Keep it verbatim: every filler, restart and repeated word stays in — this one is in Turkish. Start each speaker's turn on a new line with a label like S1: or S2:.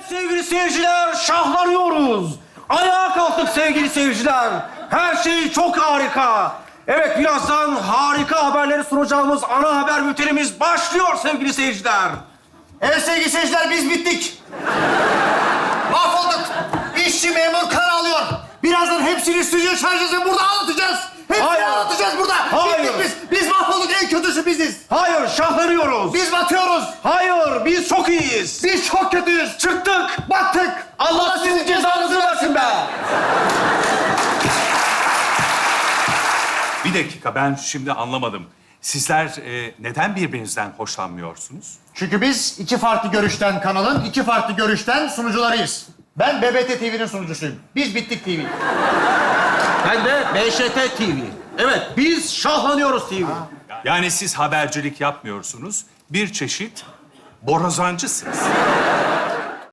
S1: Sevgili seyirciler, şahlanıyoruz. Ayağa kalktık sevgili seyirciler. Her şey çok harika. Evet, birazdan harika haberleri sunacağımız ana haber bültenimiz başlıyor sevgili seyirciler.
S2: Evet sevgili seyirciler, biz bittik. Mahvolduk. İşçi memur kan alıyor. Birazdan hepsini stüdyo şarjısını burada anlatacağız. Hepsini
S1: Hayır.
S2: anlatacağız burada.
S1: Hayır.
S2: Bittik biz. Biz mahvolduk, en kötüsü biziz.
S1: Hayır, şahlanıyoruz.
S2: Biz batıyoruz.
S1: Hayır, biz çok iyiyiz.
S2: Biz çok kötüyüz.
S1: Çıktık.
S2: Battık.
S1: Allah sizin cezanızı versin be.
S3: Bir dakika, ben şimdi anlamadım. Sizler e, neden birbirinizden hoşlanmıyorsunuz?
S2: Çünkü biz iki farklı görüşten kanalın, iki farklı görüşten sunucularıyız. Ben B B T T V'nin sunucusuyum. Biz Bittik T V.
S1: Ben de B Ş T T V. Evet, biz şahlanıyoruz T V.
S3: Yani siz habercilik yapmıyorsunuz, bir çeşit borazancısınız.